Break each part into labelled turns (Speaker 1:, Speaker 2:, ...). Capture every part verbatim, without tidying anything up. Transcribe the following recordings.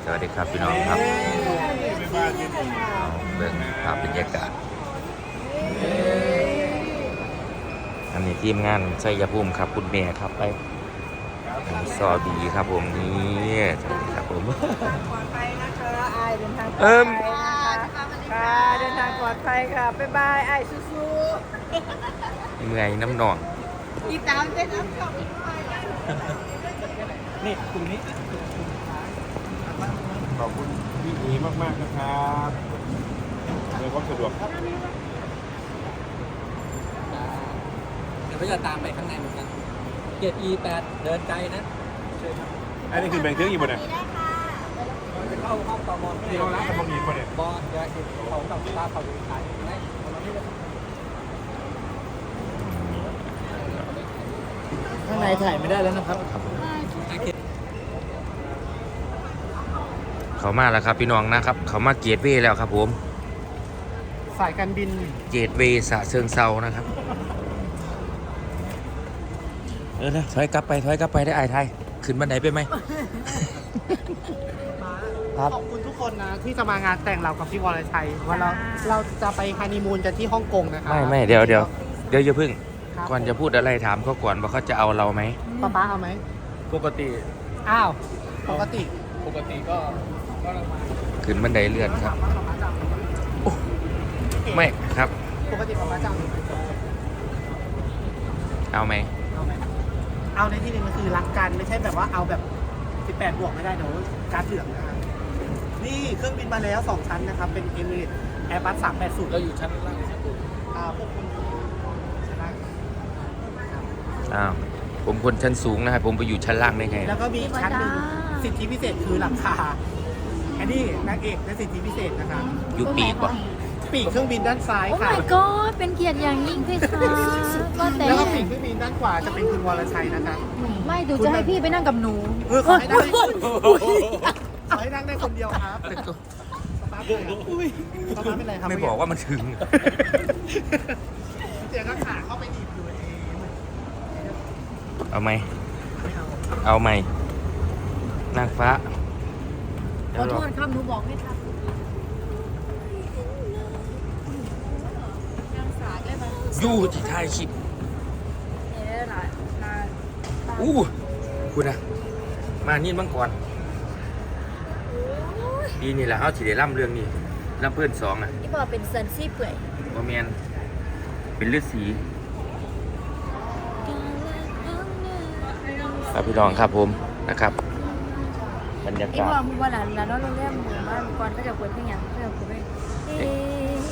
Speaker 1: วัสดีครับพี่น้องครับเอาเบิ่งภาพบรรยากาศอันนี้ทีมงานชัยภูมิครับคุณแม่ครับไปซอบีครับผมนี่สวัสดีครับผม
Speaker 2: ปลอดภัยนะคะอายเดินทางปลอด
Speaker 1: เอิ่
Speaker 2: ภั
Speaker 1: ม
Speaker 2: ยนะคะค่ะเดินทางปลอดภัยค่ะบ๊ายบายอายสู้
Speaker 1: เมื่อยน้ำหนอง
Speaker 2: ๆติดตามเต้นน้ำชอบอีกไป
Speaker 3: นี่กลุ่มนี้ขอบคุณพี่อีมากๆนะครับในความสะดวก
Speaker 4: เดี๋ยวก็จะตามไปข้างในเหมือนกันเกียรติ อี แปด เดินไกลนะเชิญครับ
Speaker 3: อันนี้คือแบ่งเครื่องอีกบ่เนี่ย
Speaker 4: จะเข้าห้องต่อมอ
Speaker 3: ที่เราล้างกันบะหมี่บ่เนี่ย
Speaker 4: บอสเดี๋ยวสิเขากับตาเขาดูขายไหมเอามาที่เลย
Speaker 5: ข้างในถ่ายไม่ได้แล้วนะครับ
Speaker 1: เขามาแล้วครับพี่น้องนะครับ เขามาเกตเวย์แล้วครับผม
Speaker 5: สายการบิน
Speaker 1: เกตเวย์สะเชิงเซานะครับเออนะถอยกลับไปถอยกลับไปได้ไอ้ไทยขึ้นบันไดไปไหม ครับ
Speaker 5: ขอบคุณทุกคนนะที่จะมางานแต่งเรากับพี่วรชัยว่าเราเราจะไปฮันนีมูนกันที่ฮ่องกงนะคะ
Speaker 1: ไม่ไม่เดี๋ยวเดี๋ยวเดี๋ยวอย่าพึ่ง
Speaker 5: ครับ
Speaker 1: ก่อนจะพูดอะไรถามเขาก่อนว่าเขาจะเอาเราไหม
Speaker 5: ป๊าป๊าเอาไหม
Speaker 4: ปกติ
Speaker 5: อ้าวปกติ
Speaker 4: ปกติก็ก็
Speaker 1: ขึ้นบันไดเลื่อนครับโอ้ไม่ครับ
Speaker 5: ปกติป๊าป๊าจะเอาหนูไปจบ
Speaker 1: เอาไหม
Speaker 5: เอาไหมเอาในที่นี้มันคือรักกันไม่ใช่แบบว่าเอาแบบสิบแปดบวกไม่ได้เดี๋ยวการดเหลืองนะคะนี่เครื่องบินมาแล้วสองชั้นนะครับเป็น Emirates Airbus สามแปดศูนย์
Speaker 4: เราอยู่ชั้นล่างชั้นบน
Speaker 5: อ่าพวกคุณชั้นล่าง
Speaker 1: อ้าวผมคนชั้นสูงนะครับผมไปอยู่ชั้นล่างได้ไง
Speaker 5: แล้วก็มีอีกชั้นหนึ่งสิทธิพิเศษคือหลังคาอันนี้นางเอกและสิทธิพิเศษนะคะ
Speaker 1: อยู่ปีกป่ะ
Speaker 5: ปีกเครื่องบินด้านซ้าย
Speaker 6: โอ้
Speaker 5: ค่ะ
Speaker 6: my god เป็นเกียรติอย่างยิ่งพี่คะว่าแต่
Speaker 5: แล้วก็ปีกเครื่องบินด้านขวาจะเป็นคุณวรชัยนะคะ
Speaker 6: ไม่ดูจะให้พี่ไปนั่งกับหนู
Speaker 5: เออขอให้นั่งได้ขอให้นั่งได้คนเดียวครับป๊าป๊าเป็นไรครับ
Speaker 1: ไม่บอกว่ามันถึง
Speaker 5: เสียงก็ขาเข้าไปหนีบอยู่เอง
Speaker 1: เอาไหมเอาไหมนางฟ้า
Speaker 6: ขอโทษครับหนูบอกไม่ทัน
Speaker 1: ยู่ที่ท้ายคลิป
Speaker 6: เนี่ยหลายหลาย
Speaker 1: อู้คุณนะมานี่มังกรปีนี่แหละเขาที่ได้ล่ำเรื่องนี้ล่ำเพื่อนสองอ่ะ
Speaker 6: ที่บอกเป็นเซนซี่เปื่อย
Speaker 1: บอแมนเป็นฤาษีครับพี่น้องครับผมนะครับบรรยา
Speaker 6: ไอ้
Speaker 1: กาศ
Speaker 6: บอกมึงว่าหลานหลานน้องเราเรียกหมูมาก่อนก็จะเปิดเพลงอย่างก็จะเปิดเพลงเอ๊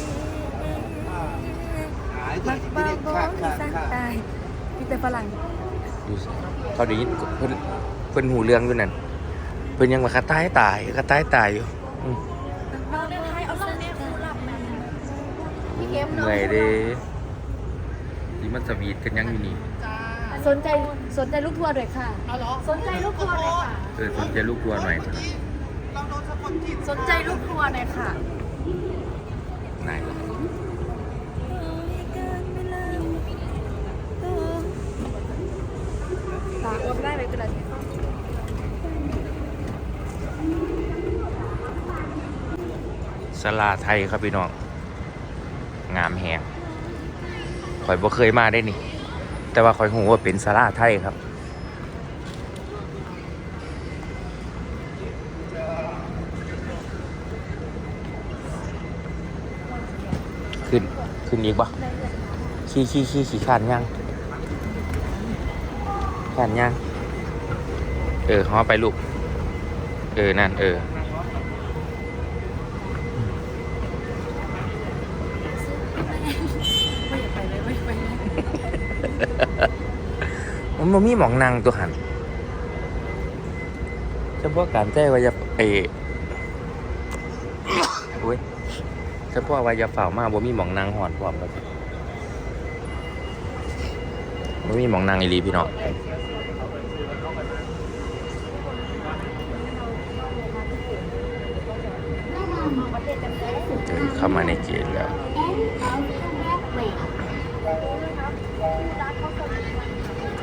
Speaker 6: มักบ้าบอที่สร้างตายมีแต่ฝรั่ง
Speaker 1: ดูสิเขาได้ยินเพิ่นเพิ่นหูเรื่องอยู่นั่นเพิ่นยังมาคาตายตายคาตายตายอยู่อืม
Speaker 6: น้องได้ให้เอาเล่าเนี่ยผู้รับมันพี่เกม
Speaker 1: เห
Speaker 6: เนาะ
Speaker 1: นื่อยเด้ที่มันสวีทกันยังอยู่นี่
Speaker 6: สนใจสนใจลูกทัวร์ด้วยค่ะ
Speaker 5: เอาเหรอ
Speaker 6: สนใจลูกทัวร์หน่อยค่ะ
Speaker 1: เออสนใจลูกทัวร์หน่อย
Speaker 5: เราโดนสะกดจิต
Speaker 6: สนใจลูกทัวร์หน่อยค่ะ
Speaker 1: ไหนล่ะ
Speaker 6: ฝากอ้วมได้ไหมกระดาษ
Speaker 1: ศาลาไทยครับพี่น้องงามแฮงข่อยบ่เคยมาได้นี่ แต่ว่าข่อยหูว่าเป็นศาลาไทยครับขึ้นขึ้นอีกปะขี่ขี่ขี่ขี่ขานยังขานยังเออฮอไปลูกเออนั่นเออมันบ่มีหมองนางตัวหันเฉพาะการแจ้ว่าจะไปโอ้ยเฉพาะว่าจะฝ่ามาบ่มีหมองนางหอนพร้อมแล้วบ่มีหมองนางอีหลีพี่น้องเดินเข้ามาในเกณฑ์แล้ว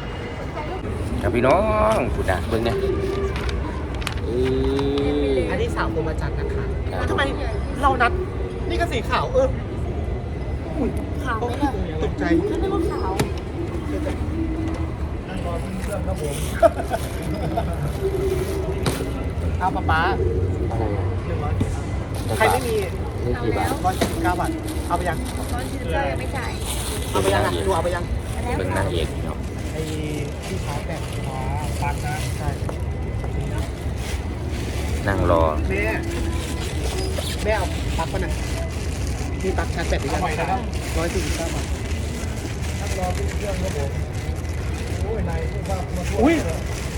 Speaker 1: ครับพี่น้องพูดนะเบิ่งเนี่ย
Speaker 5: อันนี้คมอาจารย์นะคะทำไมเรานัดนี่ก็สีขาวเอออุ้ย
Speaker 6: ขาวไหมล่ะ
Speaker 5: ตกใจ
Speaker 6: ฉันนึกว่าขาว
Speaker 5: เอาป๊าป๊า
Speaker 1: อะไรอ่ะ
Speaker 5: หนึ่งร้อยใครไม่มี
Speaker 1: นี่กี่บาท
Speaker 5: ร้อยสี่สิบเก้าบาทเอาไปยัง
Speaker 6: ร้อยสี่สิบเก้ายังไม่จ่าย
Speaker 5: เอาไปยังอ่ะดูเอาไปยัง
Speaker 6: อันนี้
Speaker 1: เบิ่งนางเอกเนาะ
Speaker 5: ไอ้ที่ชาร์จแบตอ๋อปันนะใช่
Speaker 1: นั่งรอ
Speaker 5: แม่แม่เอาปลั๊กป่ะน่ะมีปลั๊กชาร์จแบตหรือยังร้อยสี่สิบเก้าบาทรอขึ้นเครื่องครับผมโอ้ยนายพูดว่าอุ้ย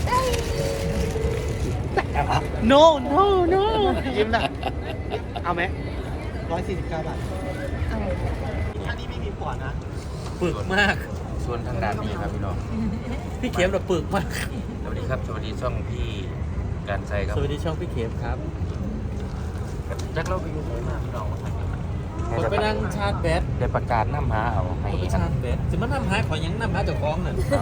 Speaker 5: no no no ยิ้มนะเอาไหมร้อยสี่สิบเก้าบาทอันนี้ไม่มีปอดนะ
Speaker 4: ปึกมาก
Speaker 1: ส่วนทางด้านนี้ครับพี่น้อง
Speaker 4: พี่เข็มเราปึกมาก
Speaker 1: สวัสดีครับสวัสดีช่องพี่การใจครับ
Speaker 4: สวัสดีช่องพี่เข็มครับ
Speaker 1: จักเราไปอยู่ไหนมาพี่น้อง
Speaker 4: ผมไปนั่งชาร์จแบต
Speaker 1: ได้ประกาศน้ำหาเอาให้
Speaker 4: ผมไปชาร์จแบตจะมานั่งหาขอยังนั่งหาเจ้าของน่ะ
Speaker 1: เอา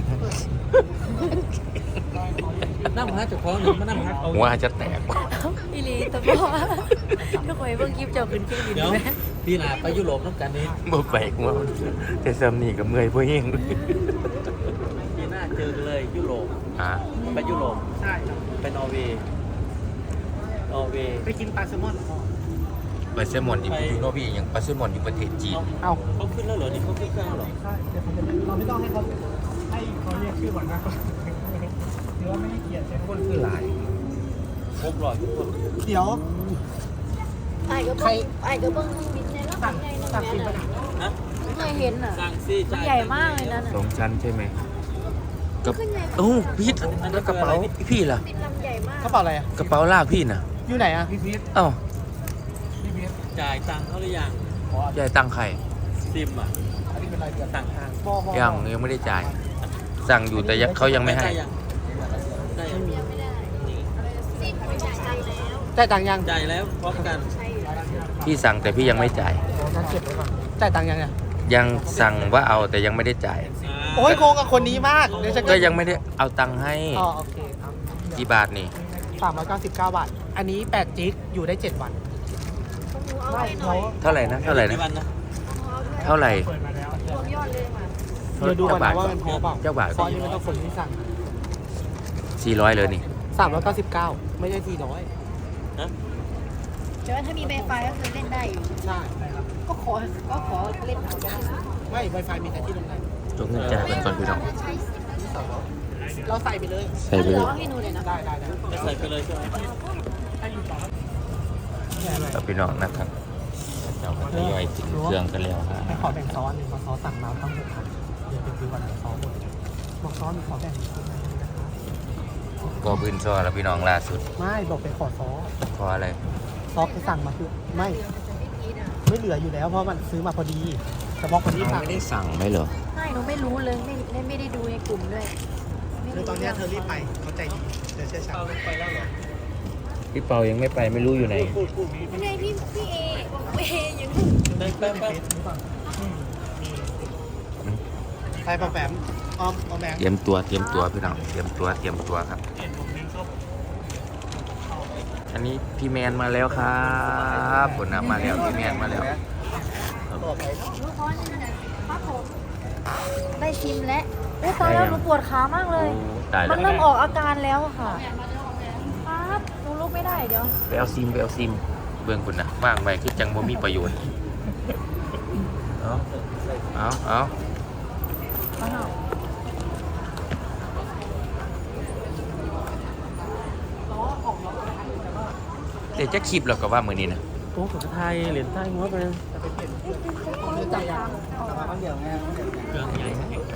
Speaker 4: นั่งหาเจ้าของหนึ่งมานั่งหาเอา
Speaker 1: หัวจะแตก
Speaker 6: อีหลีแต่บอกว่าทุกคนเพิ่งคลิปเจ้าขึ้นเครื่องบิน
Speaker 4: เดี๋ยว
Speaker 6: ไหม
Speaker 4: พี่นาไปยุโรปน้ำกันนี้
Speaker 1: บ่ไปหัวแต่ซ้ำนี่กับเมื่อยพวกเอง
Speaker 4: ปีหน้าเจอกันเลยยุโรป
Speaker 1: อ่า
Speaker 4: ไปยุโรป
Speaker 5: ใช่ครับ
Speaker 4: ไปนอร์เวย์นอร์เวย์
Speaker 5: ไปกินปลาแซลมอนเหรอพ่อ
Speaker 1: ไปเซมอนอยู่อยู่โนบีอย่างไปเซมอนอยู่ประเทศจีน
Speaker 5: เอา
Speaker 4: เขาขึ้นแล้วเหรอนี่เขาขึ้นเครื่องแล้วเหรอ
Speaker 5: ใช่เดี๋ยวผมจะเราไม่ต้องให้เขาให้เขาเรียกชื่อก่อนนะหรือว่าไม่ให้เกียรติใช่คนคือหลาย
Speaker 4: ครบร้อยทุกคน
Speaker 5: เดี๋ยว
Speaker 6: ไอ้ก็เพิ่งไอ้ก็เพิ่งบินในรอบ
Speaker 5: สั่ง
Speaker 6: ใหญ่นึง
Speaker 5: สั่ง
Speaker 6: แม่
Speaker 5: กินไป
Speaker 6: น่ะ
Speaker 5: ไหน
Speaker 4: นะ
Speaker 6: ไม่เคยเห็นอ่ะ
Speaker 4: สั่งซี่
Speaker 6: มัน
Speaker 4: จ่าย
Speaker 6: ใหญ่มากเลยนั่น
Speaker 1: ส
Speaker 6: อ่ะ
Speaker 1: องชั้นใช่ไหมกับ
Speaker 6: ขึ้นใหญ่
Speaker 1: โอ้พี่แล้วกระเป๋าพี่ล่ะ
Speaker 6: บินลำใหญ่มาก
Speaker 5: กระเป๋าอะไรอ่ะ
Speaker 1: กระเป๋าลากพี่น่ะ
Speaker 5: อยู่ไหนอ่ะพี่พีท
Speaker 1: เอ้า
Speaker 5: พี่พีท
Speaker 4: จ่ายตังค์เขาหรือยัง
Speaker 1: ยายตังค์ใคร
Speaker 4: ซิมอ่ะ
Speaker 5: อันนี้เป็นรายเดือน
Speaker 4: ต่างทาง
Speaker 5: บอบอ
Speaker 1: ยังยังไม่ได้จ่าย สั่งอยู่แต่ยังเขายังไม่ให้
Speaker 4: ได้ยังได้ยัง
Speaker 6: ไม่ได้ซีนไม่จ่ายตังค์แล้ว
Speaker 5: จ่ายตังค์ยัง
Speaker 4: จ่ายแล้วพร้อมกัน
Speaker 6: ใช่อยู่
Speaker 1: พี่สั่งแต่พี่ยังไม่จ่าย
Speaker 5: งั้นเก็บไว้ก่อนจ่ายตังค์ยังเนี่ย
Speaker 1: ยังสั่งว่าเอาแต่ยังไม่ได้จ่าย
Speaker 5: โอ้ยโกงกับคนนี้มากเดี๋ยวจะ
Speaker 1: ก็ยังไม่ได้เอาตังค์ให้
Speaker 5: อ๋อโอเคเอา
Speaker 1: กี่บาทนี่
Speaker 5: สามร้อยเก้าสิบเก้าบาท อันนี้แปดจิกอยู่ได้เจ็ดวัน
Speaker 6: ต้องดูเอาไว้หน่อย
Speaker 1: เท่าไหร่นะเท่าไหร่นะ
Speaker 4: กี่วันนะ
Speaker 6: เอาด้วย
Speaker 1: เท่าไหร่
Speaker 6: รวมยอดเลยค่ะ
Speaker 5: เดี๋ยวดูก่อนนะว่ามันพอเปล่า
Speaker 1: เจ้าบาท
Speaker 5: เพราะอันนี้มันต้องคนที่สั่ง
Speaker 1: สี่ร้อยเลยนี่
Speaker 5: สามร้อยเก้าสิบเก้าไม่ใช่สี่ร้อย
Speaker 6: แต่ว่าถ้ามีไวไฟก็คือเล่นได้อยู่
Speaker 5: ใช่
Speaker 6: ก็ขอก็ขอเล่นเอาได้
Speaker 5: ไม่ Wi-Fi มีแต่ที่โรงแรม
Speaker 1: จงเงินจ่ายเป็นก่อนพี่น้อง
Speaker 5: เราใส่ไปเลย
Speaker 1: ใส่ไปเลย
Speaker 6: เอาให้หนูเลยนะ
Speaker 5: ได้ได้ได้
Speaker 4: จะใส่ไปเลยใช่ไหม
Speaker 1: กับพี่น้องนะครับเราก็ทยอยถึงเครื่องกันแล้วฮะ
Speaker 5: ให้ขอแบ่งซอสหนึ่งเพราะซอสสั่งมาทั้งหกพันเดี๋ยวไปซื้อวันละซอสหมดบอกซอสมีขอแบ่งนะคะ
Speaker 1: ก็พื้นซอแล้วพี่น้องล่าสุด
Speaker 5: ไม่บอกไปขอซอส
Speaker 1: เพราะอะไร
Speaker 5: ซอสที่สั่งมาคือไม่ไม่เหลืออยู่แล้วเพราะมันซื้อมาพอดีเฉพาะคนที่
Speaker 1: เรา
Speaker 5: สั่ง
Speaker 1: ไม่ได้สั่งไหมเหรอ
Speaker 6: ไม่หนูไม่รู้เลยไม่ไม่ไม่ได้ดูในกลุ่มด้วยไม่
Speaker 5: คือตอนเนี้ยเธอรีบไปเขาใจดีเดี๋ยวเชื่อฉัน
Speaker 4: เอาลงไปแล้วเหรอ
Speaker 1: พี่เปายังไม่ไปไม่รู้อยู่ไหน
Speaker 6: ไม่ใช่พี่พี่เอเออยู่
Speaker 4: ได้แป๊บแป๊บ
Speaker 5: ไปปะแปมออมออมแบง
Speaker 1: เตรียมตัวเตรียมตัวพี่น้องเตรียมตัวเตรียมตัวครับ อันนี้พี่แมนมาแล้วครับผลนะมาแล้วพี่แมนมาแล้ว
Speaker 5: ต่อไป
Speaker 6: รู้เพราะนี่นะครับผมได้ชิมแล้วโอ้ตายแล้วหนูปวดขามากเลย
Speaker 1: โอ้ตายแล้
Speaker 6: มั
Speaker 1: วน
Speaker 6: เริ่มออกอาการแล้วอะค่ะครับหนูลุกไม่ได้เดี๋ยว
Speaker 1: ไปเอาซิมไปเอาซิมเบื้องคุณนะว่างไปคือจังบ่มีประโยชน์เอาเอาเอา
Speaker 6: อ้าว
Speaker 1: เดี๋ยวจะคลิปเราก็ว่ามือนี้นะ
Speaker 4: โอ้ขอไทยเหรียญไทยหัวไป
Speaker 5: จ่ายยังแต่มาข้างเดียวไง
Speaker 4: เครื่องใหญ่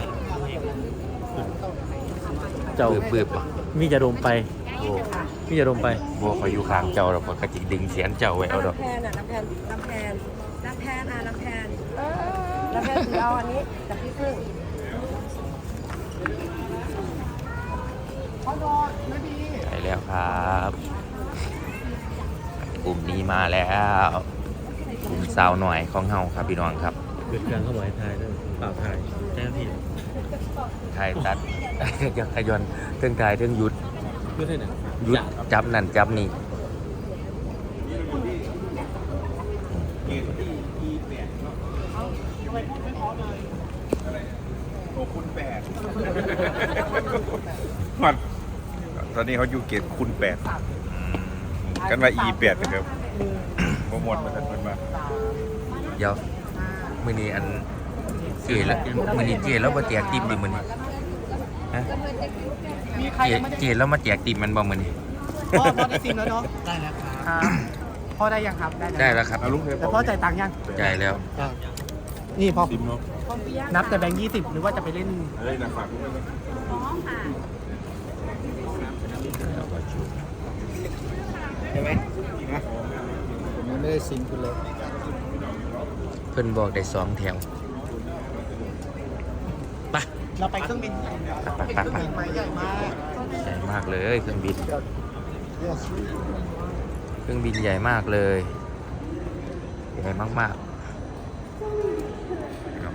Speaker 1: เจ้าปืบๆป่ะ
Speaker 4: มีจะดมไป
Speaker 1: โอ้
Speaker 4: มีจะดมไป
Speaker 1: บัวคอยอยู่ข้างเจ้าเราก็จิดึงเสียนเจ้าไว้เอาดอก
Speaker 2: น้ำแพนอ่ะน้ำแพนน้ำแพนน้ำแพนอ่ะน้ำแพนน้ำแพนถือเอาอันนี้จากพี่พึ่งเขาโดนไม่ดี
Speaker 1: ไปแล้วครับกลุ่มนี้มาแล้วกลุ่มสาวหน่อยของเฮาครับพี่น้องครับ
Speaker 4: เกิดการเข้าไว้ไทยด้วยเปล่าไทยแจ้งพี่
Speaker 1: ไทยตัด ยังขยอนเทิงไทยเทิงหยุด
Speaker 4: เพื่อให้ไหน
Speaker 1: หยุดจับนั่นจับนี่
Speaker 3: เกณฑ์ที่อีแปดเนาะ
Speaker 5: ทำไมพูดไม่พอเลย
Speaker 3: อะไรโอ้คุณแปดมันตอนนี้เขาอยู่เกณฑ์คุณแปดกันว่าอีแปดนะครับโปรโมทมาทันมันมา
Speaker 1: เดี๋ยวมือนี้อันเจแล้วมือนี้เจแล้วมาแจกติมดิมือนี้ฮะ
Speaker 5: มีใคร
Speaker 1: เจ
Speaker 5: ยังไม่ได้
Speaker 1: เจแล้วมาแจกติมมันบ่มือนี้
Speaker 5: พ่อพ่อได้ซิมแล้วเนาะได้แล้วครับพ่อได้ยังครับได้
Speaker 1: ได้แล้วครับ
Speaker 3: เอาลุงเทป
Speaker 5: แต่พ่อจ่ายตังค์ยัง
Speaker 1: จ่ายแล้ว
Speaker 5: นี่พ่อ
Speaker 3: ซิมเนาะ
Speaker 5: นับแต่แบงค์ยี่สิบหรือว่าจะไปเล่น
Speaker 3: เฮ้ยนะฝากลุงด้วยนะ
Speaker 5: ใช่ไหมผมยังไม่ได้ซิมคุณเลย
Speaker 1: เพิ่นบอกได้สองแถวไป
Speaker 5: เราไปเครื่องบินเป็นเครื่องบินใหม่ใหญ่มาก
Speaker 1: ใหญ่มากเลยเครื่องบิน เครื่องบินใหญ่มากเลยใหญ่มากๆครับ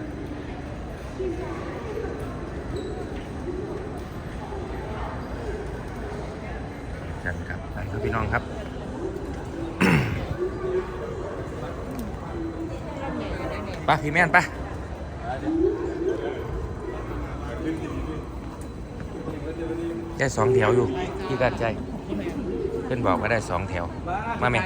Speaker 1: กันครับไปครับพี่น้องครับ ไปพี่แม่นไปได้สองแถวอยู่ที่การใจเพื่อนบอกว่าได้สองแถวมาแม่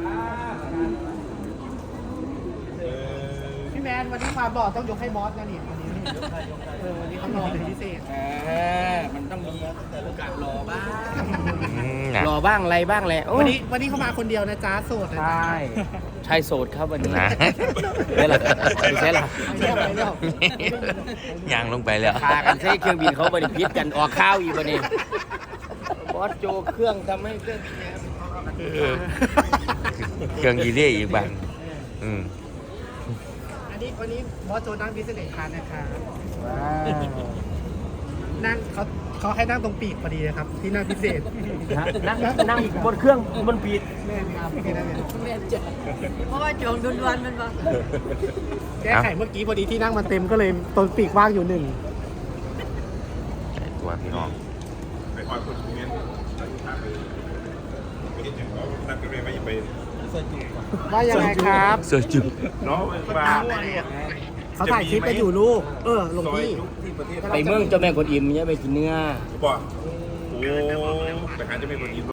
Speaker 5: พี่แมนวันนี้มาบอกต้องยกให้บอสนะนี่วันนี้เออวันนี้เขารอเป็นพิเศษ
Speaker 4: เออมันต้องมีโอกาสรอบ้าง
Speaker 1: อืมนะ
Speaker 4: รอบ้างอะไรบ้างแหละ
Speaker 5: วันนี้วันนี้เขามาคนเดียวนะจ๊ะโสดนะจ๊ะ
Speaker 4: ใช่โสดครับวันนี้
Speaker 1: นะ
Speaker 4: ได้หรอใช่หรอ
Speaker 5: ไม่เอาไปแล้ว
Speaker 1: ยางลงไปแล้ว
Speaker 4: พากันใช้เครื่องบินเขาบริพิษกันออกข้าวอีกวันนี้บอสโจเครื่องทำให้เครื่องบินเนี่ย
Speaker 1: เออเครื่องยีเรียอีกบ้างอืม
Speaker 5: อันนี้วันนี้บอสโจนั่งพิเศษคานนะคะนั่งเขาเขาให้นั่งตรงปีกพอดีนะครับที่นั่งพิเศษ
Speaker 4: นั่งนั่งบนเครื่องบนปีด
Speaker 5: แม่ครับแค่นั้นเอง
Speaker 2: เพราะว่าจองดวนๆมันบ่
Speaker 5: แก้ไขเมื่อกี้พอดีที่นั่งมันเต็มก็เลยตรงปีกว่างอยู่หนึ่ง
Speaker 1: ใส่ตัวพี่น้อง
Speaker 3: ไปคอยคนเงี้ยไปเห็นอย่างเขานัดกันเลยว่าอย่าไป
Speaker 5: ว่ายังไงครับ
Speaker 1: เสื้อจุ๊บ
Speaker 3: เนาะมา
Speaker 5: เขาถ่ายคลิปกันอยู่ลูก เออหลวงพี่
Speaker 3: ที่ประเทศ
Speaker 4: ไปเมืองเจ้าแม่กวนอิมเนี่ยไปกินเนื้อ
Speaker 3: บอกโอ้ไปหาจะไม่คนยิน